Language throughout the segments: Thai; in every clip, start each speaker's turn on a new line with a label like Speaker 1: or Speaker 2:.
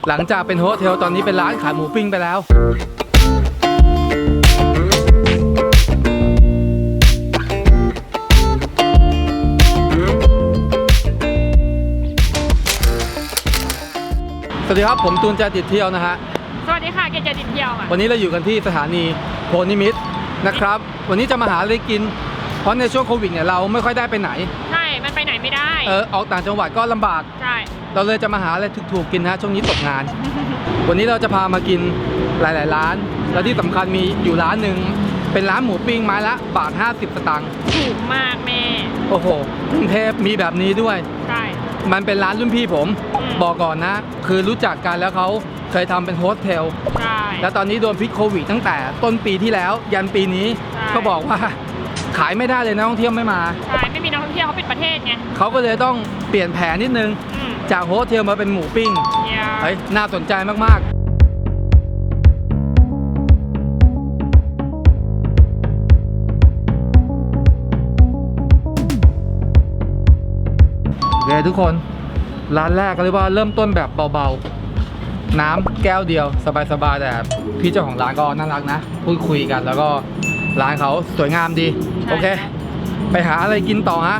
Speaker 1: หลังจากเป็นโฮสเทลตอนนี้เป็นร้านขายหมูปิ้งไปแล้วสวัสดีครับผมตูนใจติดเที่ยวนะฮะ
Speaker 2: สวัสดีค่ะเกจติดเที่ยวค่ะ
Speaker 1: วันนี้เราอยู่กันที่สถานีโพนิมิตรนะครับวันนี้จะมาหาอะไรกินเพราะในช่วงโควิดเนี่ยเราไม่ค่อยได้ไปไหน
Speaker 2: ใช่มันไปไหนไม่ได้
Speaker 1: ออกต่างจังหวัดก็ลำบาก
Speaker 2: ใช่
Speaker 1: เราเลยจะมาหาอะไรถูกๆกินนะช่วงนี้ตกงาน วันนี้เราจะพามากินหลายๆร้านแล้วที่สำคัญมีอยู่ร้านหนึ่งเป็นร้านหมูปิ้งไม้ละบาท50 สตางค์
Speaker 2: ถูกมากแม่
Speaker 1: โอ้โหกรุงเทพมีแบบนี้ด้วย
Speaker 2: ใช่
Speaker 1: มันเป็นร้านรุ่นพี่ผมบอกก่อนนะคือรู้จักกันแล้วเขาเคยทำเป็นโฮสเทล
Speaker 2: ใช่
Speaker 1: แล้วตอนนี้โดนพิษโควิดตั้งแต่ต้นปีที่แล้วยันปีนี้ก็บอกว่าขายไม่ได้เลยนักท่องเที่ยวไม่มา
Speaker 2: ใช่ไม่มีนักท่องเที่ยวเขาปิดประเทศไง
Speaker 1: เขาก็เลยต้องเปลี่ยนแผนนิดนึงจากโฮสเทลมาเป็นหมูปิ้งเฮ้ยน่าสนใจมากๆโอเคทุกคนร้านแรกก็เรียกว่าเริ่มต้นแบบเบาๆน้ำแก้วเดียวสบายๆแต่พี่เจ้าของร้านก็น่ารักนะพูดคุยกันแล้วก็ร้านเขาสวยงามดีโอเคไปหาอะไรกินต่อฮะ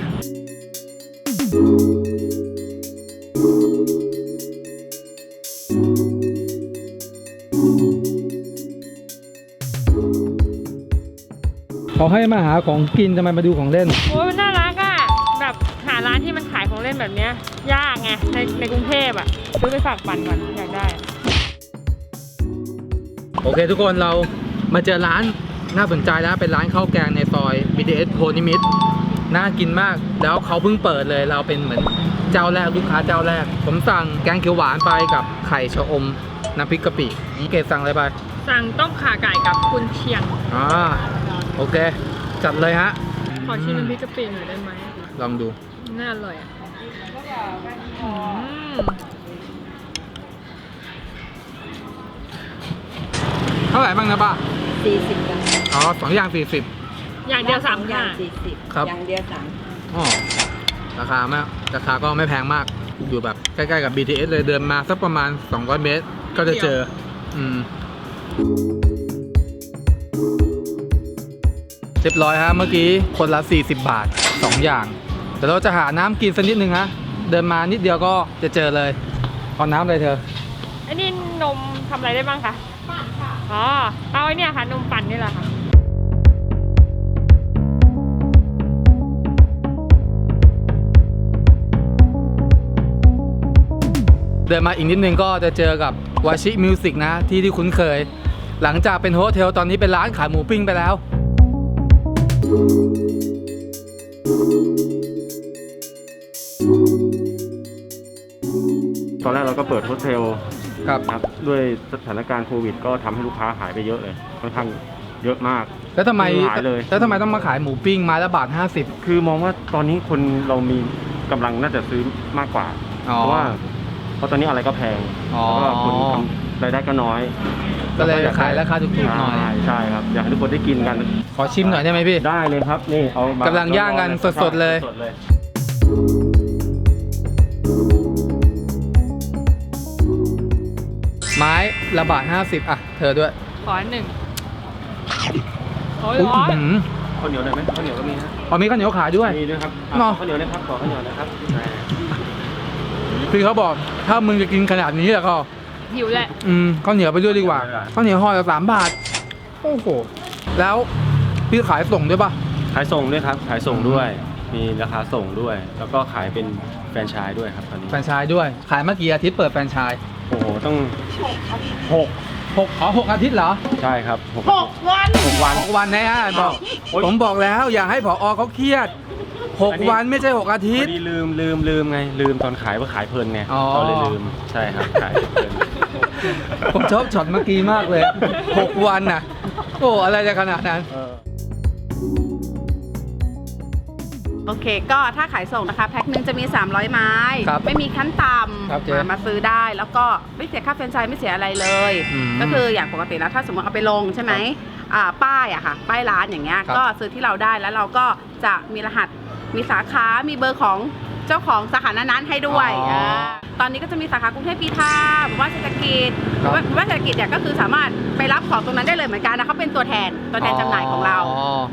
Speaker 1: เขาให้มาหาของกินทำไมมาดูของเล่น
Speaker 2: โอ้ยน่ารักอ่ะแบบหาร้านที่มันขายของเล่นแบบเนี้ยยากไงในกรุงเทพอ่ะซื้อไปฝากปั่นก่อนอยากได้
Speaker 1: โอเคทุกคนเรามาเจอร้านน่าสนใจแล้วเป็นร้านข้าวแกงในซอย BTS โพนิมิตรน่ากินมากแล้วเขาเพิ่งเปิดเลยเราเป็นเหมือนเจ้าแรกลูกค้าเจ้าแรกผมสั่งแกงเขียวหวานไปกับไข่ชะอมน้ำพริกกะปิเกดสั่งอะไรไป
Speaker 2: สั่งต้มข่าไก่กับกุนเชียง
Speaker 1: โอเคจัดเลยฮะ
Speaker 2: ขอชิมน้ำพริกกะปิหน่อยได้ไหม
Speaker 1: ลองดู
Speaker 2: น่าอร่อยอ่ะ
Speaker 1: เท่าไหร่บ้างนะป้า
Speaker 3: 40บาท
Speaker 1: 2 อย่าง
Speaker 2: 40อย่างเดียว3
Speaker 3: อย่าง40
Speaker 1: ครับ
Speaker 3: อย่างเดียว3
Speaker 1: ราคาก็ไม่แพงมากอยู่แบบใกล้ๆกับ BTS เลยเดินมาสักประมาณ200 เมตรก็จะเจอเรียบร้อยฮะเมื่อกี้คนละ40 บาท2 อย่างแต่เราจะหาน้ำกินสักนิดนึงฮะเดินมานิดเดียวก็จะเจอเลยเอาน้ำอะไรเธอ
Speaker 2: อันนี้นมทำอะไรได้บ้างคะปั่นค่ะเอาไอ้นี่ค่ะนมปั่นนี่แหละค่ะ
Speaker 1: เดินมาอีกนิดนึงก็จะเจอกับวาชิมิวสิกนะที่คุ้นเคยหลังจากเป็นโฮสเทลตอนนี้เป็นร้านขายหมูปิ้งไปแล้ว
Speaker 4: ตอนแรกเราก็เปิดโฮสเทล
Speaker 1: ครับ
Speaker 4: ด้วยสถานการณ์โควิดก็ทำให้ลูกค้าหายไปเยอะเลยค่อนข้างเยอะมาก
Speaker 1: แล้วทำไมต้องมาขายหมูปิ้งไม้ละบาท50
Speaker 4: คือมองว่าตอนนี้คนเรามีกำลังน่าจะซื้อมากกว่าเพราะตอนนี้อะไรก็แพงแล้วก็คนรายได้ก็น้อย
Speaker 1: ก็เลยขายราคาถูกๆหน่อย
Speaker 4: ใช่ครับอยากให้ทุกคนได้กินกัน
Speaker 1: ขอชิมหน่อยได้ไหมพี่
Speaker 4: ได้เลยครับนี่เอา
Speaker 1: กำลังย่างกันสดๆเลยไม้ละบาท50อ่ะเธอด้วย
Speaker 2: ขอ1โอ้ย
Speaker 4: ข้าวเหนียวได้ไหมข้าวเหนียวก็มีนะ
Speaker 1: มีข้าวเหนียวขายด้วย
Speaker 4: มีด้วยครับข้าวเหนียวนะครับขอข้าวเหนียวนะครับ
Speaker 1: พี่เขาบอกถ้ามึงจะกินขนาดนี้แล้วก็
Speaker 2: หิวแหละ
Speaker 1: ข้าวเหนียวไปด้วยดีกว่าข้าวเหนียวห่อละ3 บาทโอ้โหแล้วพี่ขายส่งด้วยป่ะ
Speaker 4: ขายส่งด้วยครับขายส่งด้วยมีราคาส่งด้วยแล้วก็ขายเป็นแฟรนไชส์ด้วยครับตอนนี้
Speaker 1: แฟรนไชส์ด้วยขายเมื่อกี่อาทิตย์เปิดแฟรนไชส์
Speaker 4: โอ้โหต้อง
Speaker 1: 6 อาทิตย์เหรอ
Speaker 4: ใช่ครับ
Speaker 2: 6
Speaker 1: วันนะฮะผมบอกแล้วอย่าให้ผอ.เขาเครียด6 วันไม่ใช่6 อาทิตย์
Speaker 4: ลืมไงลืมตอนขายว่าขายเพลินไงเราเลยลืมใช่ครับขายเพลิน
Speaker 1: ผมชอบช็อตเมื่อกี้มากเลย6 วันน่ะโอ้อะไรจะขนาดนั้น
Speaker 3: โอเคก็ถ้าขายส่งนะคะแพ็คนึงจะมี300 ไม้ไม่มีขั้นต่ำมาซื้อได้แล้วก็ไม่เสียค่าแฟรนไชส์ไม่เสียอะไรเลยก็คืออย่างปกติแล้วถ้าสมมติเอาไปลงใช่ไหมป้ายอะค่ะป้ายร้านอย่างเงี้ยก็ซื้อที่เราได้แล้วเราก็จะมีรหัสมีสาขามีเบอร์ของเเจ้าของสาขานั้นๆให้ด้วย
Speaker 1: อ๋อ
Speaker 3: ตอนนี้ก็จะมีสาขากรุงเทพปีทาหมู่บ้านเศรษฐกิจห
Speaker 1: ครับ
Speaker 3: มู่บ้านเศรษฐกิจเนี่ยก็คือสามารถไปรับของตรงนั้นได้เลยเหมือนกันนะเขาเป็นตัวแทนจำหน่ายของเรา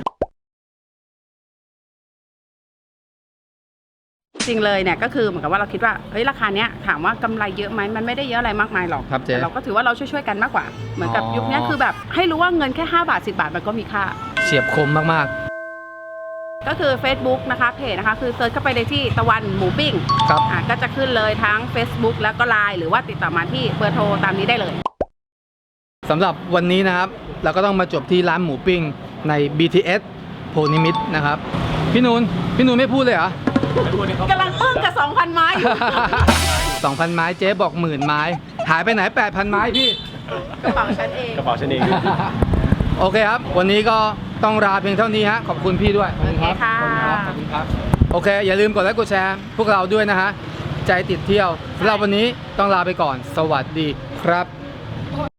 Speaker 3: จริงเลยเนี่ยก็คือเหมือนกับว่าเราคิดว่าเฮ้ยราคาเนี้ยถามว่ากำไรเยอะไหมมันไม่ได้เยอะอะไรมากมายหรอก
Speaker 1: ครับเจ๊
Speaker 3: แต่เราก็ถือว่าเราช่วยๆกันมากกว่า เหมือนกับ
Speaker 1: อ๋อ
Speaker 3: ยุคนี้คือแบบให้รู้ว่าเงินแค่5 บาท 10 บาทมันก็มีค่า
Speaker 1: เฉียบคมมาก
Speaker 3: ก็คือ Facebook นะคะเพจนะคะคือเซิร์ชเข้าไปในที่ตะวันหมูปิ้ง
Speaker 1: ๆ ครับ
Speaker 3: ก็จะขึ้นเลยทั้ง Facebook แล้วก็ LINE หรือว่าติดต่อมาที่เบอร์โทรตามนี้ได้เลย
Speaker 1: สำหรับวันนี้นะครับเราก็ต้องมาจบที่ร้านหมูปิ้งใน BTS โพนิมิตรนะครับ พี่นูนไม่พูดเลยเหรอ
Speaker 3: กำลังอึ้งกับ 2,000 ไม้อยู่
Speaker 1: 2,000 ไม้เจ๊บอก10,000 ไม้ หายไปไหน 8,000 ไม้พี่
Speaker 3: กระเป๋าฉันเอง
Speaker 4: กระเป๋าฉันเอง
Speaker 1: โอเคครับ วันนี้ก็ต้องลาเพียงเท่านี้ฮะขอบคุณพี่ด้วยขอบคุณครับ
Speaker 3: โอเคค่ะ
Speaker 1: ขอบคุณครับโอเค อย่าลืมกดไลค์กดแชร์พวกเราด้วยนะฮะใจติดเที่ยวสำหรับวันนี้ต้องลาไปก่อน สวัสดีครับ